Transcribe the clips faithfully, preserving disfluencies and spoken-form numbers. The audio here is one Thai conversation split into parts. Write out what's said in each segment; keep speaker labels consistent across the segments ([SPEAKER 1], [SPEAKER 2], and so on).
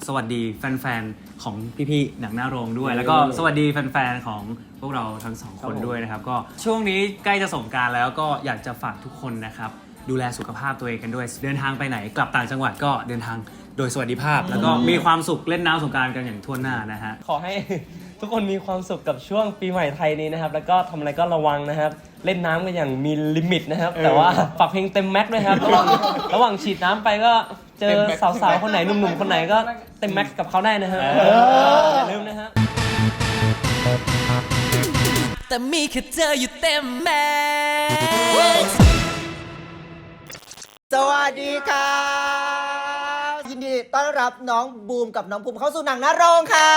[SPEAKER 1] สวัสดีแฟนๆของพี่ๆหนังหน้าโรงด้วยแล้วก็สวัสดีแฟนๆของพวกเราทั้งสองคนด้วยนะครับก็ช่วงนี้ใกล้จะสงกรานต์แล้วก็อยากจะฝากทุกคนนะครับดูแลสุขภาพตัวเองกันด้วยเดินทางไปไหนกลับต่างจังหวัดก็เดินทางโดยสวัสดิภาพแล้วก็มีความสุขเล่นน้ำสงกรานต์กันอย่างทั่วหน้านะฮะ
[SPEAKER 2] ขอให้ทุกคนมีความสุขกับช่วงปีใหม่ไทยนี้นะครับแล้วก็ทำอะไรก็ระวังนะครับเล่นน้ำกันอย่างมีลิมิตนะครับแต่ว่าฝากเพลงเต็มแม็กซ์ด้วยครับระหว่างระหว่างฉีดน้ำไปก็เจอสาวๆคนไหนหนุ่มๆคนไหนก็เต็มแม็กซ์กับเขาได้นะฮะอย่าลืมนะฮะ
[SPEAKER 3] แต่มีแค่เธออยู่เต็มแม็กซ์
[SPEAKER 4] สวัสดีครับยินดีต้อนรับน้องบูมกับน้องภูมิเข้าสู่หนังหน้าโรงค่ะ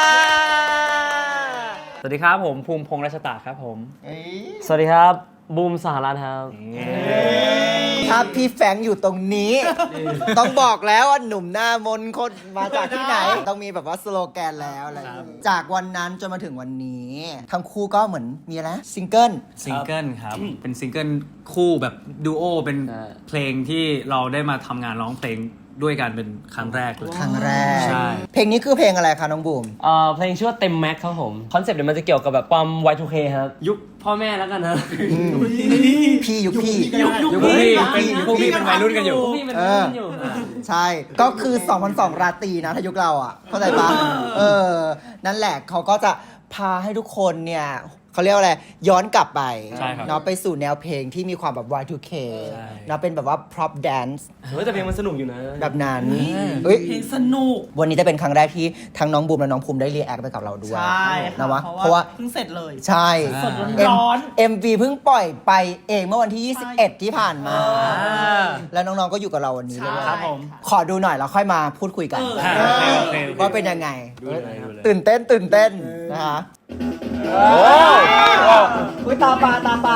[SPEAKER 2] สวัสดีครับผมภูมิพงษ์รัชตาครับผมสวัสดีครับบูมสหรัฐครับ
[SPEAKER 4] ถ้าพี่แฟงอยู่ตรงนี้ต้องบอกแล้วว่าหนุ่มหน้ามนคนมาจากที่ไหนต้องมีแบบว่าสโลแกนแล้วอะไรจากวันนั้นจนมาถึงวันนี้ทั้งคู่ก็เหมือนมีอะไรซิงเกิล
[SPEAKER 1] ซิงเกิลครับเป็นซิงเกิลคู่แบบดูโอเป็นเพลงที่เราได้มาทำงานร้องเพลงด้วยกันเป็นครั้งแรกเลย
[SPEAKER 4] ครั้งแรก
[SPEAKER 1] ใช่
[SPEAKER 4] เพลงนี้คือเพลงอะไรคะน้องบูม
[SPEAKER 2] เอ่อเพลงชื่อว่าเต็มแม็กครับผมคอนเซ็ปต์เนี่ยมันจะเกี่ยวกับแบบความ วาย ทู เค ครับยุคพ่อแม่แล้วกันนะ
[SPEAKER 4] พี่ยุคพี่
[SPEAKER 1] ยุคพี่เป็นพวกพี่เป็นวัยรุ่นกันอยู่
[SPEAKER 2] พี่เป็นวัยรุ่นอยู่
[SPEAKER 4] ใช่ก็คือสองพันสองราตรีนะถ้ายุคเราอ่ะเข้าใจปะเออนั่นแหละเขาก็จะพาให้ทุกคนเนี่ยเขาเรียกว่าอะไรย้อนกลับไปเนาะไปสู่แนวเพลงที่มีความแบบ วาย ทู เค เนาะเป็นแบบว่า prop dance
[SPEAKER 2] เฮ้ยแต่เพลงมันสนุกอยู่นะ
[SPEAKER 4] แบบนั้นเฮ้ย
[SPEAKER 3] เพลงสนุก
[SPEAKER 4] วันนี้จะเป็นครั้งแรกที่ทั้งน้องบูมและน้องภูมิได้รีแอคไปกับเราด้วย
[SPEAKER 3] ใช่
[SPEAKER 4] นะวะ
[SPEAKER 3] เพราะว่าเพิ่งเสร็จเลย
[SPEAKER 4] ใช่
[SPEAKER 3] สดร้อน
[SPEAKER 4] เอ็ม วี เพิ่งปล่อยไปเองเมื่อวันที่ยี่สิบเอ็ดที่ผ่านมาแล้วน้องๆก็อยู่กับเราวันนี้เลย
[SPEAKER 1] ครับผม
[SPEAKER 4] ขอดูหน่อยแล้วค่อยมาพูดคุยกันว่าเป็นยังไง
[SPEAKER 2] ตื่
[SPEAKER 4] นเต้นตื่นเต้นนะคะโอ้ยตาปลาตาปลา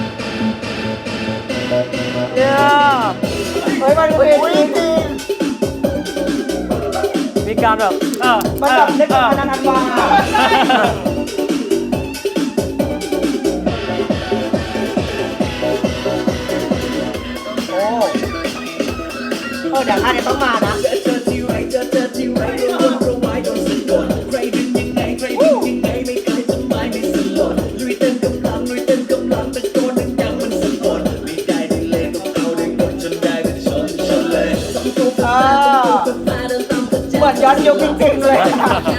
[SPEAKER 4] เนี่ยเฮ้ยมันเป็นจริงจริง
[SPEAKER 2] มีการแบบเออ
[SPEAKER 4] มันแบบเล่นกับพนันอันวาโอ้เออเดี๋ยวท่านจะต้องมานะเหมือนย้อนยุคจริงๆเลย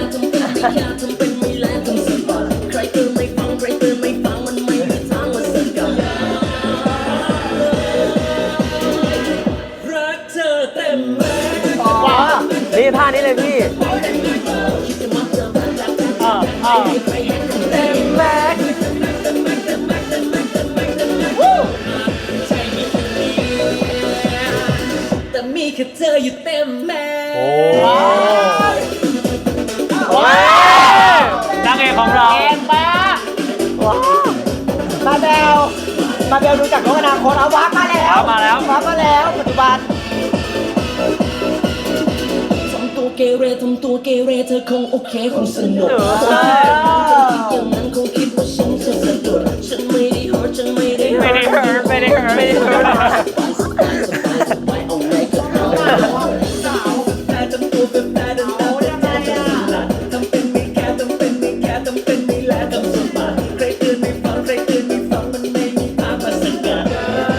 [SPEAKER 2] นี่ท่านี้เลยพี่อ่าอ่า
[SPEAKER 4] เต็มแม็ก
[SPEAKER 3] แต่มีแค่เธออยู่เต็มแม็กซ์
[SPEAKER 2] โอ้ยนางเอกของเรา
[SPEAKER 4] เก่งมากมาเบลมาเบลดูจากโลกอนาคตเอาวับมาแล้ว
[SPEAKER 2] มาแล้ว
[SPEAKER 4] วับมาแล้วปัจจุบัน
[SPEAKER 3] ทำตัวเกเรทำตัวเกเรเธอคงโอเคคงสนุกอย่างนั้นคงคิดว่าฉันจะสะดุดฉันไม่ได้ hurt ฉันไม่ได้
[SPEAKER 2] ไม่ได้ hurt ไม่ได้ hurt ไม่ได้ hurt
[SPEAKER 3] เอาไงก็เอาสาวแต่ทำตัวเป็นแต่ดันตาเป็นแต่จะสลัดทำเป็นไม่แค่ทำเป็นไม่แค่ทำเป็นไม่แลทำสมบัติใครเตือนไม่ฟังใครเตือนไม่ฟังมันไม่มีทางมาสกัด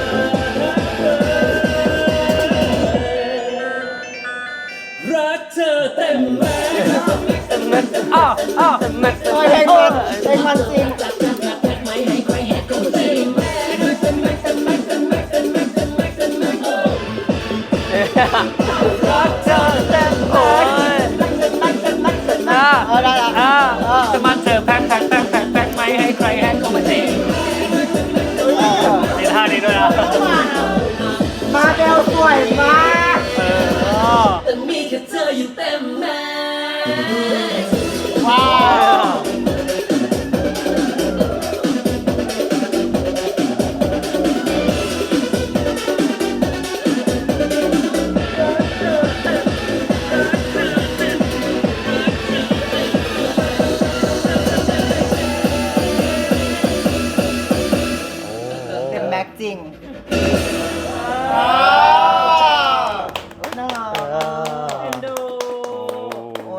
[SPEAKER 3] รักเธอเต็มแม็กซ์
[SPEAKER 2] อ้าวอ้าวแม็กซ์
[SPEAKER 4] เพลงมันเพลงมันจริง
[SPEAKER 3] ไม่ให้ใครแหกก็เต็มแม็กซ์เต็มแม็กซ์เต็มแม็กซ์เต็มแม็กซ์เต็มแม็กซ์เต็มแม็กซ์เต็มแม็กซ์
[SPEAKER 2] รักเธอเต็มโอ้ยอ่า
[SPEAKER 4] เอาได้ละ
[SPEAKER 2] อ่าจะมาเจอแพ็คแพ็คแพ็คแพ็คแพ็คไม่ให้ใครแหกก็มาเต็มนี่ท่านี้ด้วยนะ
[SPEAKER 4] มาเบลสวยมาก
[SPEAKER 3] แต่มีแค่เธออยู่เต็มแม็กซ์
[SPEAKER 4] ว้าวเต็มแม็กซ์จริงน่ารัก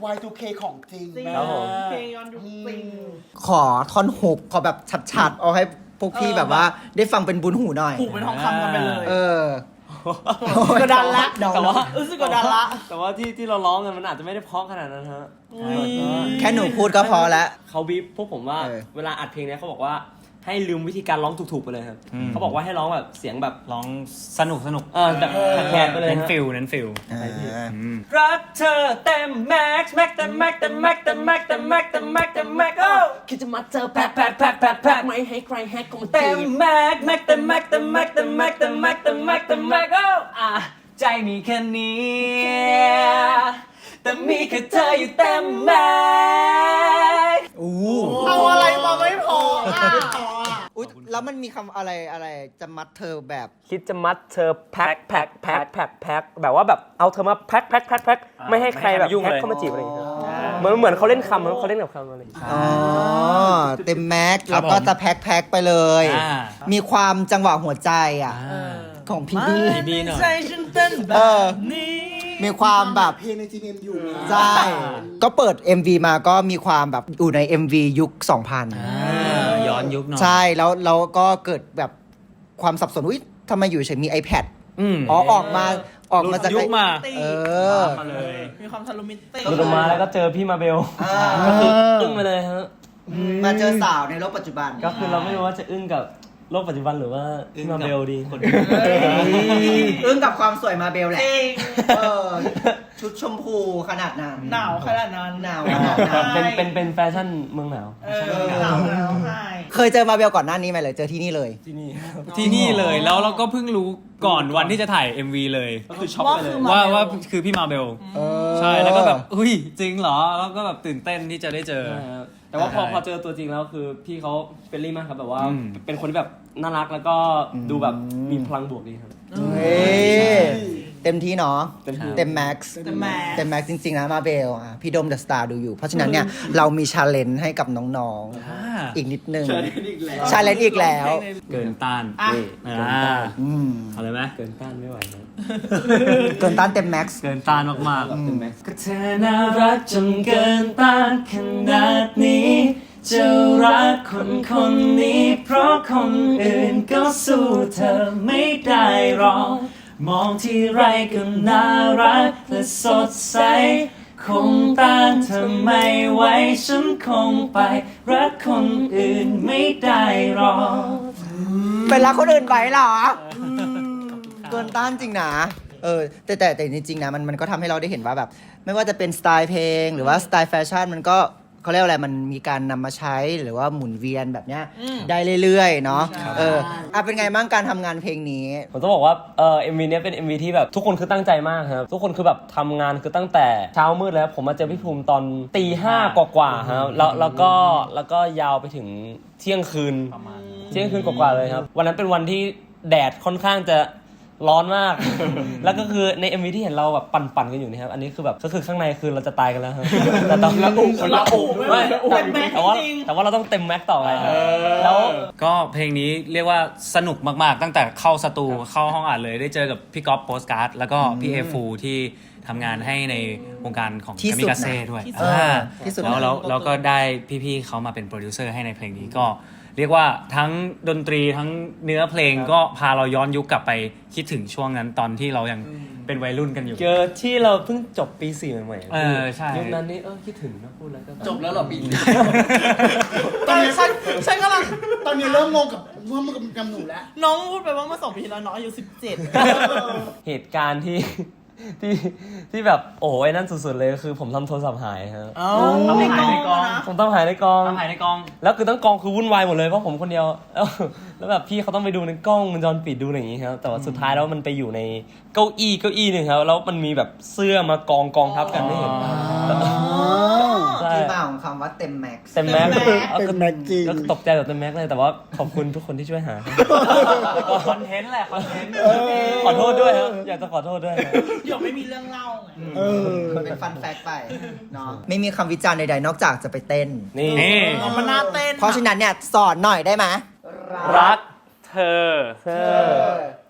[SPEAKER 5] วาย ทู เค ของจริง
[SPEAKER 3] จริง
[SPEAKER 2] ครับผม
[SPEAKER 3] เพลงย้อนยุคจริง
[SPEAKER 4] ขอท่อนฮุกขอแบบชัดๆ เอาให้พวกพี่
[SPEAKER 3] เออ
[SPEAKER 4] แบบว่าได้ฟังเป็นบุญหูหน่อย
[SPEAKER 3] ผูกเป็นทองคำกันไปเลย
[SPEAKER 4] เออ
[SPEAKER 3] กดดันละ
[SPEAKER 4] เดา
[SPEAKER 2] แต่ว่า
[SPEAKER 3] รู้สึกกดดันละ
[SPEAKER 2] แต่ว่าที่ที่เราร้องกันมันอาจจะไม่ได้เพราะขนาดนั้นฮะ
[SPEAKER 4] แค่หนูพูดก็พอแล้ว
[SPEAKER 2] เขาบีบพวกผมว่า
[SPEAKER 4] เออ
[SPEAKER 2] เวลาอัดเพลงเนี้ยเขาบอกว่าให้ลืมวิธีการร้องถูกๆไปเลยครับ
[SPEAKER 1] อืม
[SPEAKER 2] เขาบอกว่าให้ร้องแบบเสียงแบบ
[SPEAKER 1] ร้องสนุกสนุก
[SPEAKER 2] เออแบบแขกๆไปเลย
[SPEAKER 1] เน้น
[SPEAKER 2] ฮะ
[SPEAKER 1] ฟิลเน้นฟิล
[SPEAKER 4] อ่า
[SPEAKER 1] อืม
[SPEAKER 2] รักเธอเต็มแม็กซ์แม็กซ์เต็มแม็กซ์เต็มแม็กซ์เต็มแม็กซ์เต็มแม็กซ์เต็มแม็กซ์เต็มแม็กซ์โอ้คิดจะมาเจอแพ็คแพ็คแพ็คแพ็คแพ็คไม่ให้ใครแฮกของเต็มแม็กซ์แม็กซ์เต็มแม็กซ์เต็มแม็กซ์เต็มแม็กซ์เต็มแม็กซ์เต็มแม็กซ์เต็มแม็กซ์โอ้อ่ะใจมีแค่นี้แต่มีแค่เธออยู่เต็มแม็กซ์
[SPEAKER 4] อู้
[SPEAKER 3] เอาอะไรมาไม่พออ่ะ
[SPEAKER 4] อุ๊ยแล้วมันมีคำอะไรอะไรจะมัดเธอแบบ
[SPEAKER 2] คิดจะมัดเธอแพ็คแพ็คแพ็คแพ็คแพ็คแบบว่าแบบเอาเธอมาแพ็คแพ็คแพ็คแพ็คไม่ให้ใครแบบแพ็คเข้ามาจีบอะไรอย่างเงี้ยเหมือนเหมือนเขาเล่นคำเขาเล่นกับคำอะไรอย่างเงี้ย
[SPEAKER 4] อ๋อ เต็มแม็กซ์
[SPEAKER 1] ครั
[SPEAKER 4] แล้
[SPEAKER 1] บ
[SPEAKER 4] วก็
[SPEAKER 1] ผม
[SPEAKER 4] จะแพ็คแพ็คไปเลย
[SPEAKER 1] อ่า
[SPEAKER 4] มีความจังหวะหัวใจอ่ะ ของพี่บี้
[SPEAKER 1] พี่บี้หน่อย
[SPEAKER 3] ใจฉันเต้นแบ
[SPEAKER 4] เอบ อ
[SPEAKER 3] นี้
[SPEAKER 4] มีความแบบ
[SPEAKER 5] เพลงใน จี เอ็ม อยู่นะ
[SPEAKER 4] ใช่ ก็เปิด เอ็ม วี มาก็มีความแบบอยู่ใน เอ็ม วี ยุค สองพัน
[SPEAKER 1] อ่าย้อนยุคหน่อย
[SPEAKER 4] ใช่แล้วแล้วก็เกิดแบบความสับสนอุ๊ยทำไมอยู่เฉยมี iPad
[SPEAKER 1] อืม
[SPEAKER 4] อ๋อออกมาออกมาจาก
[SPEAKER 1] ยุคมา
[SPEAKER 4] เออ
[SPEAKER 1] มาเลย
[SPEAKER 3] มีความทะลุมิติ
[SPEAKER 2] หลุดออกมาแล้วก็เจอพี่มาเบล
[SPEAKER 4] อ่า
[SPEAKER 2] ก็คืออึ้งไปเลยฮะ
[SPEAKER 4] มาเจอสาวในโลกปัจจุบัน
[SPEAKER 2] ก็คือเราไม่รู้ว่าจะอึ้งกับโลกปัจจุบันหรือว่าพี่มาเบลดี
[SPEAKER 4] อึ้งกับความสวยมาเบลแหละ
[SPEAKER 3] จริง
[SPEAKER 4] เออ ชุดชมพูขนาดนั้น
[SPEAKER 3] หนาวขนาดนั้น
[SPEAKER 4] หนาวขนาดนั้น
[SPEAKER 2] เป็นเป็นเป็นแฟชั่นเมืองหนาว
[SPEAKER 3] เออหนาวหนาวใช่
[SPEAKER 4] เคยเจอมาเบลก่อนหน้านี้ไหมเลยเจอที่นี่เลย
[SPEAKER 2] ที่นี่
[SPEAKER 1] ที่นี่เลยแล้วเราก็เพิ่งรู้ก่อนวันที่จะถ่าย เอ็ม วี เลย
[SPEAKER 2] ก็คือช็อกไปเลย
[SPEAKER 1] ว่าว่าคือพี่มาเบล
[SPEAKER 4] เออ
[SPEAKER 1] ใช่แล้วก็แบบอุ้ยจริงเหรอแล้วก็แบบตื่นเต้นที่จะได้เจอ
[SPEAKER 2] ใช่ครับแต่ว่าพอ
[SPEAKER 1] ใช่
[SPEAKER 2] พอเจอตัวจริงแล้วคือพี่เขาเฟรนลี่มากครับแบบว่า
[SPEAKER 1] อืม
[SPEAKER 2] เป็นคนที่แบบน่ารักแล้วก็ดูแบบมีพลังบวกดีครับ
[SPEAKER 4] เฮ้ยเต็มที่เนาะ
[SPEAKER 2] เต็มที่
[SPEAKER 4] เต็มแม็กซ์
[SPEAKER 3] แต่แหม่
[SPEAKER 4] เต็มแม็กซ์จริงๆนะมาเบลอ่ะพี่โดมเดอะสตาร์ดูอยู่ เพราะฉะนั้นเนี่ย เรามีชาเลนจ์ให้กับน้องๆ อีกนิดนึงชาเลนจ์อีกแล้ว
[SPEAKER 1] เกินต้าน
[SPEAKER 3] อ่ะ
[SPEAKER 2] นี่
[SPEAKER 1] อ่า
[SPEAKER 4] อืม
[SPEAKER 1] เอาเลยไหม
[SPEAKER 2] เกินต้านไม่ไหวครับ
[SPEAKER 4] เกินต้านเต็มแม็กซ์
[SPEAKER 1] เกินต้านมาก
[SPEAKER 2] เต็มแม็กซ์ก็เธอน่ารักจนเกินต้านขนาดนี้จะรักคนคนนี้เพราะคนอื่นก็สู้เธอไม่ได้หรอกมองที่ไรก็น่ารักและสดใสคงต้านเธอไม่ไหวฉันคงไปรักคนอื่นไม่ได้หรอก
[SPEAKER 4] เป็นรักคนอื่นไปเหรอ เกินต้านจริงนะ เออแต่แต่แต่จริงๆนะมันมันก็ทำให้เราได้เห็นว่าแบบ ไม่ว่าจะเป็นสไตล์เพลง หรือว่าสไตล์แฟชั่นมันก็เขาเรียกว่าอะไรมันมีการนำมาใช้หรือว่าหมุนเวียนแบบเนี้ยได้เรื่อยๆเนาะเอออ่ะเป็นไงบ้างการทำงานเพลงนี้
[SPEAKER 2] ผมต้องบอกว่าเอ่อ เอ็ม วี เนี้ยเป็น เอ็ม วี ที่แบบทุกคนคือตั้งใจมากครับทุกคนคือแบบทำงานคือตั้งแต่เช้ามืดแล้วผมมาเจอพี่ภูมิตอนตีห้ากว่าๆครับแล้วแล้วก็แล้วก็ยาวไปถึงเที่ยงคืน
[SPEAKER 1] ประมาณ
[SPEAKER 2] เที่ยงคืนกว่าๆเลยครับวันนั้นเป็นวันที่แดดค่อนข้างจะร้อนมาก แล้วก็คือใน เอ็ม วี ที่เห็นเราแบบปั่นๆกันอยู่นะครับอันนี้คือแบบก็คือข้างในคือเราจะตายกันแล้วครับแต่ตอนละอุละอุไม่แต่แต่ว่าแต่ว่าเราต้องเต็มแม็กต่อไปครับแล้ว
[SPEAKER 1] ก็เพลงนี้เรียกว่าสนุกมากๆ ตั้งแต่เข้าสตูเข้าห้องอัดเลยได้เจอกับพี่ก๊อฟโปสการ์ดแล้วก็พี่เอฟูที่ทำงานให้ในวงการของ
[SPEAKER 4] ที่
[SPEAKER 1] คา
[SPEAKER 4] สุ
[SPEAKER 1] มิ
[SPEAKER 4] ด
[SPEAKER 1] กาเซ่
[SPEAKER 4] นะ
[SPEAKER 1] ด้วย
[SPEAKER 3] ที่สุด
[SPEAKER 1] อ่า
[SPEAKER 4] ที่สุด
[SPEAKER 1] แล้ว
[SPEAKER 4] นะ
[SPEAKER 1] แล้วแล้วก็ได้พี่ๆเขามาเป็นโปรดิวเซอร์ให้ในเพลงนี้ก็เรียกว่าทั้งดนตรีทั้งเนื้อเพลงก็พาเราย้อนยุคกลับไปคิดถึงช่วงนั้นตอนที่เรายังเป็นวัยรุ่นกันอยู่
[SPEAKER 2] เจอที่เราเพิ่งจบปีสี่ใหม่ๆ
[SPEAKER 1] เออใช่
[SPEAKER 2] ยุคนั้นนี่เออคิดถึงนะพูดแล้วก็
[SPEAKER 5] จบแล้วเหรอปีนี้
[SPEAKER 3] ตอนนี้ฉันฉันกำลัง
[SPEAKER 5] ตอนนี้เริ่มงงกับว่ามันกับหนูแล้ว
[SPEAKER 3] น้องพูดไปว่าเมื่อสองปีที่แล้วน้องอายุสิบเจ็ด
[SPEAKER 2] เหตุการณ์ที่ ที่ที่แบบโอ้ยนั่นสุดๆเลยคือผมทำโทรศัพท์หายครับ
[SPEAKER 3] เอ้า
[SPEAKER 1] เอาไปหายในกอง
[SPEAKER 3] นะ
[SPEAKER 2] ผมต้องหายในกอง
[SPEAKER 1] ทำหายในกอง
[SPEAKER 2] แล้วคือทั้งกองคือวุ่นวายหมดเลยเพราะผมคนเดียว แล้วแล้วแบบพี่เขาต้องไปดูในกล้องวงจรปิดดูอะไรอย่างงี้ครับแต่ว่าสุดท้ายแล้วมันไปอยู่ในเก้าอี้เก้าอี้หนึ่งครับแล้วมันมีแบบเสื้อมากองกองทับกันไม่เห็น ใช่
[SPEAKER 4] ที่มาของคำว่าเต็มแม็กซ์
[SPEAKER 2] เต็มแม็กซ์
[SPEAKER 5] เต็มแม็กซ์จริง
[SPEAKER 2] ก็ตกใจแบบเต็มแม็กซ์เลยแต่ว่าขอบคุณทุกคนที่ช่วยหา
[SPEAKER 1] คอนเทนต์แหละคอนเทนต์
[SPEAKER 2] ขอโทษด้วยครับอยากจะขอโทษด้วยครับ
[SPEAKER 3] เดี๋ยวไม่มีเรื่องเล่าไง
[SPEAKER 5] เออ
[SPEAKER 4] เป็นฟันแฟกไปเนาะไม่มีคำวิจารณ์ใดๆนอกจากจะไปเต้น
[SPEAKER 2] นี่
[SPEAKER 1] นี่
[SPEAKER 3] น้องมันน่าเต้น
[SPEAKER 4] เพราะฉะนั้นเนี่ยสอนหน่อยได้ไหม
[SPEAKER 2] รักเธอ เธอ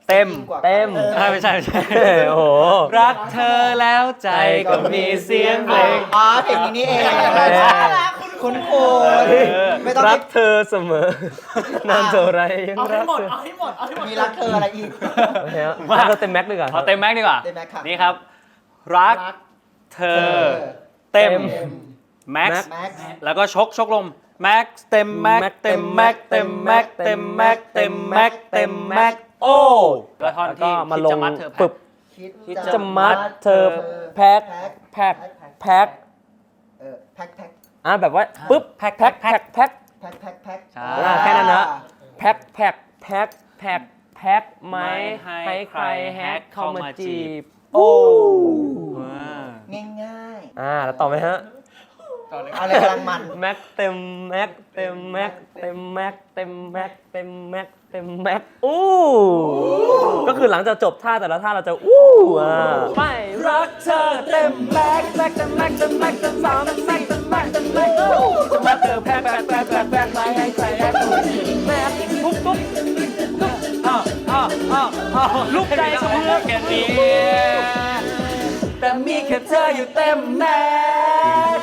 [SPEAKER 2] เต็มเต็ม
[SPEAKER 1] อ่าไม่ใช่ไม่ใช่
[SPEAKER 2] โอ้โห
[SPEAKER 1] รักเธอแล้วใจก็มีเสียงเพลง
[SPEAKER 4] อ๋อเพลงนี้นี่เองคุณครูไม่ต้อง
[SPEAKER 2] รักเธอเสมอนานเท่าไรยังรักเธอ
[SPEAKER 5] เอาให้หมด เอาให้หมด
[SPEAKER 4] มีรักเธออะไรอีก
[SPEAKER 2] โอเคครับรักเธอเต็มแม็กซ์ดีกว่า
[SPEAKER 1] ขอเต็มแม็กซ์ดีกว่า
[SPEAKER 4] เต็มแม็กซ์ค่ะ
[SPEAKER 1] นี่ครับ รักเธอเต็มแม็กซ์
[SPEAKER 4] แม็กซ์
[SPEAKER 1] แล้วก็ชกชกลมแม็กซ์เต็มแม็กซ์เต็มแม็กซ์เต็มแม็กซ์เต็มแม็กซ์เต็มแม็กซ์เต็มแม็กซ์โอ้แล้วท่อน
[SPEAKER 2] ก็
[SPEAKER 1] ที่
[SPEAKER 2] มา
[SPEAKER 1] คิด
[SPEAKER 2] ล
[SPEAKER 1] จะ
[SPEAKER 2] ง
[SPEAKER 1] มัดเธอ
[SPEAKER 2] ปึบ
[SPEAKER 4] คิด
[SPEAKER 2] จะมัดเธอแพ็คแพ็คแพ็ค
[SPEAKER 4] เออแพ็คแพ็ค
[SPEAKER 2] อ่ะแบบว่าปึ๊บแพ็คแพ็คแพ็คแพ็ค
[SPEAKER 4] แพ็คแพ็คแพ็ค
[SPEAKER 1] ใช่
[SPEAKER 2] อ่าแค่นั้นนะแพ็คแพ็คแพ็คแพ็คแพ็คไหมให้ใครแฮกเข้ามาจีบโอ้
[SPEAKER 4] ง่ายง่าย
[SPEAKER 2] อ่าแล้วต่อไหมฮะ
[SPEAKER 4] ๆอะไรกำลังมัน
[SPEAKER 2] แม็กเต็มแม็กเต็มแม็กเต็มแม็กเต็มแม็กเต็มแม็กเต็มแม็กอู้ก็คือหลังจากจบท่าแต่ละท่าเราจะอู้อ่าไม่รักเธอเต็มแม็กแม็กเต็มแม็กเต็มแม็กเต็มสามเต็มแม็กเต็มแม็กเต็มแม็กอู้จะมาเจอแพ็คแพ็คแพ็คแพ็คแพ็คไม่ให้ใครแฮกแม็กปุ๊บปุ๊บปุ๊บอ้าวอ้าวอ้าวอ้าวลูกใจสะเทือนแค่นี้แต่มีแค่เธออยู่เต็มแม็ก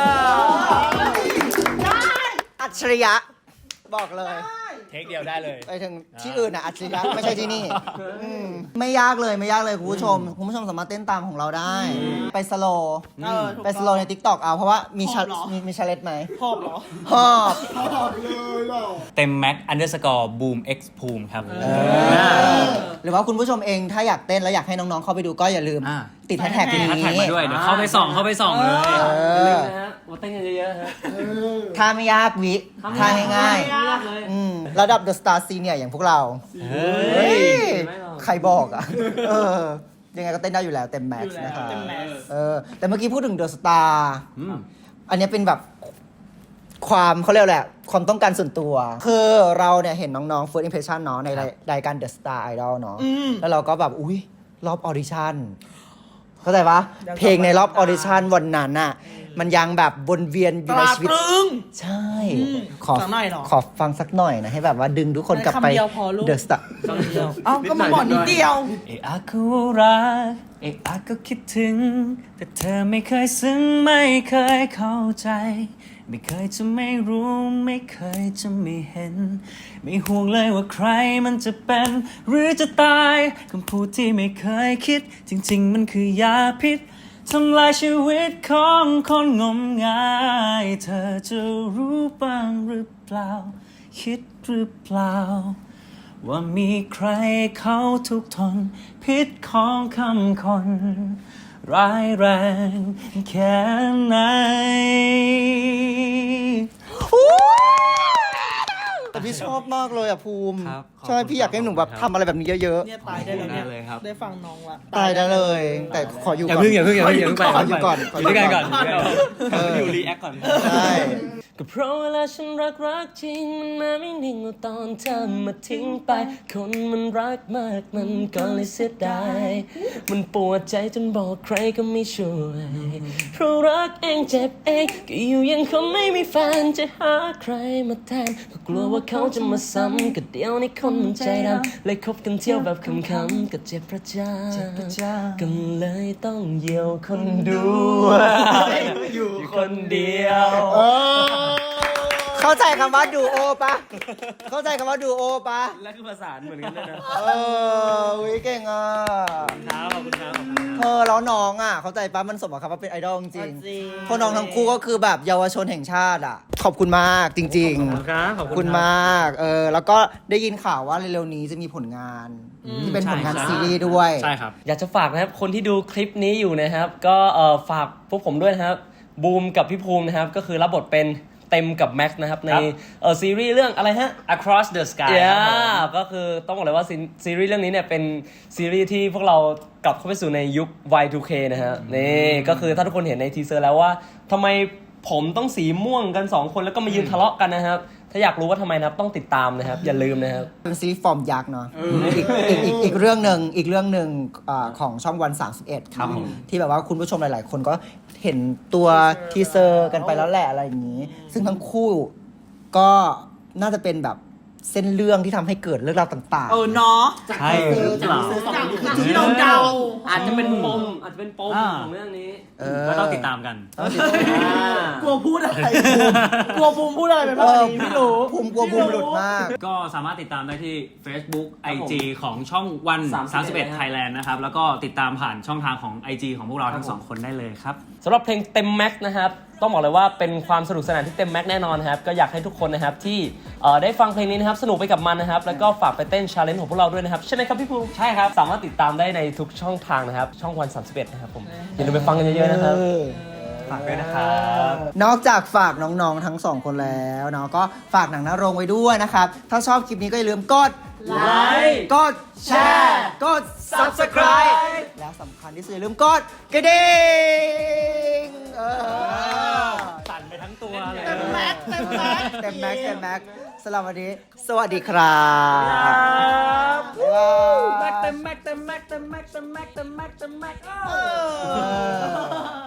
[SPEAKER 4] อัจฉริยะ บอกเลย
[SPEAKER 1] เทคเดียวได้เลย
[SPEAKER 4] ไปถึงที่อื่นอ่ะอัจฉริยะไม่ใช่ที่นี่อืมไม่ยากเลยไม่ยากเลยคุณผู้ชม คุณผู้ชมสามารถเต้นตามของเราได้ ไปสโลว์
[SPEAKER 5] เออถูก
[SPEAKER 4] ไปสโลว์ใน ทิกตอก เอาเพราะว่ามีชา
[SPEAKER 5] หอบเหรอ
[SPEAKER 4] มีมีชาเลนจ์ไหม
[SPEAKER 5] หอบเหรอ
[SPEAKER 4] หอบ
[SPEAKER 5] หอบเลยเหรอ
[SPEAKER 1] เต็มแม็กอันเดอร์สกอร์บูมเอ็กซ์ภูมิครับ
[SPEAKER 4] หรือว่าคุณผู้ชมเองถ้าอยากเต้นแล้วอยากให้น้องๆเข้าไปดูก็อย่าลืม
[SPEAKER 1] อ่า
[SPEAKER 4] ติดแฮชแท็กนี้
[SPEAKER 1] แฮชแท็กมาด้วย เดี๋ยวเข้าไปส่อง เข้าไปส่องเลย
[SPEAKER 4] เอ
[SPEAKER 2] อย่าลื
[SPEAKER 4] อ
[SPEAKER 2] มนะฮะมาเต้นกันเยอะๆฮะ
[SPEAKER 4] ท่าไม่ยากวิท่าง่าย
[SPEAKER 2] ไม่ยากเลย
[SPEAKER 4] ๆอืมระดับ The Star Senior อย่างพวกเรา
[SPEAKER 1] เฮ้ย
[SPEAKER 2] ไม่หรอก
[SPEAKER 4] ใครบอกอ่ะ เออ ยังไงก็เต้นได้อยู่แล้วเต็มแม็กซ์นะครับ
[SPEAKER 5] เต็มแม็กซ์
[SPEAKER 4] เออ แต่เมื่อกี้พูดถึง The Star
[SPEAKER 1] อืม
[SPEAKER 4] อันนี้เป็นแบบความเขาเรียกแหละไรความต้องการส่วนตัว คือเราเนี่ยเห็นน้องๆ First Impression เนาะในรายรายการ The Star Idol เนาะแล้วเราก็แบบ อุ้ยรอบออดิชั่นเข้าใจปะเพลงในรอบออดิชั่นวันนั้นน่ะ มันยังแบบวนเวียนอยู่ในชีวิต
[SPEAKER 5] ตราตรึง
[SPEAKER 4] ใช่ ขอ
[SPEAKER 5] สักหน่อยเหรอ
[SPEAKER 4] ขอฟังสักหน่อยนะ ให้แบบว่าดึงทุกคนกลับไป
[SPEAKER 5] คำเดียวพอลูก
[SPEAKER 4] The Star
[SPEAKER 5] เอ้าก็มาบอกนิดเดียว
[SPEAKER 1] เอะอะก็รักเอะอะก็คิดถึง แต่เธอไม่เคยซึ้งไม่เคยเข้าใจ ไม่เคยจะไม่รู้ไม่เคยจะไม่เห็น ไม่ห่วงเลยว่าใครมันจะเป็น หรือจะตายคำพูดที่ไม่เคยคิด จริงๆมันคือยาพิษทำลายชีวิตของคนงมงาย เธอจะรู้บ้างหรือเปล่า คิดหรือเปล่า ว่ามีใครเขาทุกข์ทนพิษของคำคน ร้ายแรงแค่ไหน
[SPEAKER 4] แต่พี่ชอบมากเลยอ่ะภูมิ
[SPEAKER 1] ครับขอบคุณ
[SPEAKER 4] ใช่พี่อยากให้หนูแบบ
[SPEAKER 1] ครับ
[SPEAKER 4] ทำอะไรแบบนี้เยอะ
[SPEAKER 5] เนี่ยตายได้แล้วเนี่ย
[SPEAKER 1] ได้เลยครับ
[SPEAKER 5] ได้ฟังน้องละ
[SPEAKER 4] ๆ ตายได้เลย แต่ขออยู่
[SPEAKER 1] อย่า
[SPEAKER 4] ก่อน
[SPEAKER 1] เพิ่งอย่าเพิ่งอย่าเพิ่งอย่าเพิ่งไป
[SPEAKER 4] ขออยู่ก่อน
[SPEAKER 1] อยู่ด้วยกันก่อน
[SPEAKER 4] เออ
[SPEAKER 1] อยู่รีแอคก่อน
[SPEAKER 4] ใช่
[SPEAKER 2] ก็เพราะเวลาฉันรักรักจริงมันมาไม่นิ่งเอาตอนเธอมาทิ้งไป คนมันรักมากมันก็เลยเสียดายมันปวดใจจนบอกใครก็ไม่ช่วยเพราะรักเองเจ็บเองก็อยู่ยังคงไม่มีแฟนจะหาใครมาแทนก็กลัวว่าเขาจะมาซ้ำก็เดียวในคนมันใจดำเลยคบกันเที่ยวแบบคำๆก็เจ็บประจาก็เลยต้องเหี่ยวคนดูอยู่คนเดียว
[SPEAKER 4] เข้าใจคำว่าดูโอปะเข้าใจคำว่าดูโอปะ
[SPEAKER 2] และคือภาษาเหมือนกันด้วยนะ
[SPEAKER 4] เออวิเก่งอ่ะ
[SPEAKER 2] ครับขอบคุณครับ
[SPEAKER 4] เธอแล้วน้องอ่ะ เข้าใจปะมันสมกับคำว่าเป็นไอดอลจริง
[SPEAKER 5] จริง
[SPEAKER 4] ๆพวกน้องทั้งคู่ก็คือแบบเยาวชนแห่งชาติอ่ะ ขอบคุณมากจริง
[SPEAKER 2] ขอบคุณครับ
[SPEAKER 4] ๆ
[SPEAKER 2] ขอบ
[SPEAKER 4] ขอบ
[SPEAKER 2] คุ
[SPEAKER 4] คุณ ณ
[SPEAKER 2] ครับ
[SPEAKER 4] มากเออแล้วก็ได้ยินข่าวว่าเร็วๆนี้จะมีผลงาน ที่เป็นผลงาน
[SPEAKER 1] ใช่
[SPEAKER 4] ซีรีส์ด้วย
[SPEAKER 1] ใช่ครับ
[SPEAKER 2] อยากจะฝากนะครับ คนที่ดูคลิปนี้อยู่นะครับ ก็เอ่อฝากพวกผมด้วยนะครับ บูมกับพี่ภูมินะครับ ก็คือรับบทเป็นเต็มกับแม็กซ์นะครับ ใน
[SPEAKER 1] ครับ
[SPEAKER 2] เอ่อซีรีส์เรื่องอะไรฮะ
[SPEAKER 1] Across the Sky
[SPEAKER 2] เย้
[SPEAKER 1] ครับผม
[SPEAKER 2] ก็คือต้องบอกเลยว่าซีซีรีส์เรื่องนี้เนี่ยเป็นซีรีส์ที่พวกเรากลับเข้าไปสู่ในยุค วาย ทู เค นะฮะนี่ก็คือถ้าทุกคนเห็นในทีเซอร์แล้วว่าทำไมผมต้องสีม่วงกันสองคนแล้วก็มายืนทะเลาะกันนะครับ ถ้าอยากรู้ว่าทำไมนะครับต้องติดตามนะครับ อย่าลืมนะครับ
[SPEAKER 4] เป็นซีรีส์ฟอร์มยักษ์เนาะอีกอีกอีกอีกเรื่องหนึ่งอีกเรื่องหนึ่งอ่าของช่องวันสามสิบเอ็ด
[SPEAKER 1] ครับผม
[SPEAKER 4] ที่แบบว่าคุณผู้ชมหลาย ๆ คนก็เห็นตัวทีเซอร์กันไปแล้วแหละอะไรอย่างนี้ ซึ่งทั้งคู่ก็น่าจะเป็นแบบเส้นเรื่องที่ทำให้เกิดเรื่องราวต่าง
[SPEAKER 5] เออเนาะ
[SPEAKER 1] ใช่หรือเปล่า
[SPEAKER 5] จากที่เราเดา
[SPEAKER 2] อาจจะเป็นปมอาจจะเป็นปม
[SPEAKER 1] อ่า
[SPEAKER 2] ของเรื่องนี้
[SPEAKER 4] ๆ เออ
[SPEAKER 1] ก็ต้องติดตามกัน
[SPEAKER 5] กลัวพูดอะไรกลัวภูมิพูดอะไรไปบ้างอันนี้ไม่รู้
[SPEAKER 4] ภูมิกลัวภูมิหลุดมาก
[SPEAKER 1] ก็สามารถติดตามได้ที่ Facebook
[SPEAKER 2] ครับผม
[SPEAKER 1] ไอ จี ของช่องวัน
[SPEAKER 2] สามสิบเอ็ด
[SPEAKER 1] สามสิบเอ็ด Thailand นะครับ แล้วก็ติดตามผ่านช่องทางของ ไอ จี ของพวกเราทั้ง
[SPEAKER 2] ครับผม
[SPEAKER 1] สองคนได้เลยครับ
[SPEAKER 2] สำหรับเพลงเต็มแม็กซ์นะครับต้องบอกเลยว่าเป็นความสนุกสนานที่เต็มแม็กซ์แน่นอนนะครับก็อยากให้ทุกคนนะครับที่เอ่อได้ฟังเพลงนี้นะครับสนุกไปกับมันนะครับแล้วก็ฝากไปเต้นชาเลนจ์ของพวกเราด้วยนะครับใช่ไหมครับพี่ภูมิใช่ครับสามารถติดตามได้ในทุกช่องทางนะครับช่องวันสามสิบเอ็ดนะครับผมอย่าลืมไปฟังกันเยอะๆนะครับฝากด้วยนะครับ
[SPEAKER 4] นอกจากฝากน้องๆทั้งสองคนแล้วเนาะก็ฝากหนังหน้าโรงไว้ด้วยนะครับ ถ้าชอบคลิปนี้ก็อย่าลืมกด
[SPEAKER 2] ไลค์
[SPEAKER 4] กดแชร์กด Subscribe แล้วสำคัญที่สุดอย่าลืมกดกระดิ่งเออ
[SPEAKER 1] สั่นไปทั้งตัวเลย
[SPEAKER 5] เต็มแม็กซ์เต็มแม็กซ์
[SPEAKER 4] เต็มแม็กซ์เต็มแม็กซ์สำหรับวันนี้ สวัสดีครับ
[SPEAKER 5] แม็กเต็มแม็กเต็มแม็กเต็มแม็กเต็มแม็กเต็มแม็กเต็มแม็ก
[SPEAKER 4] เออ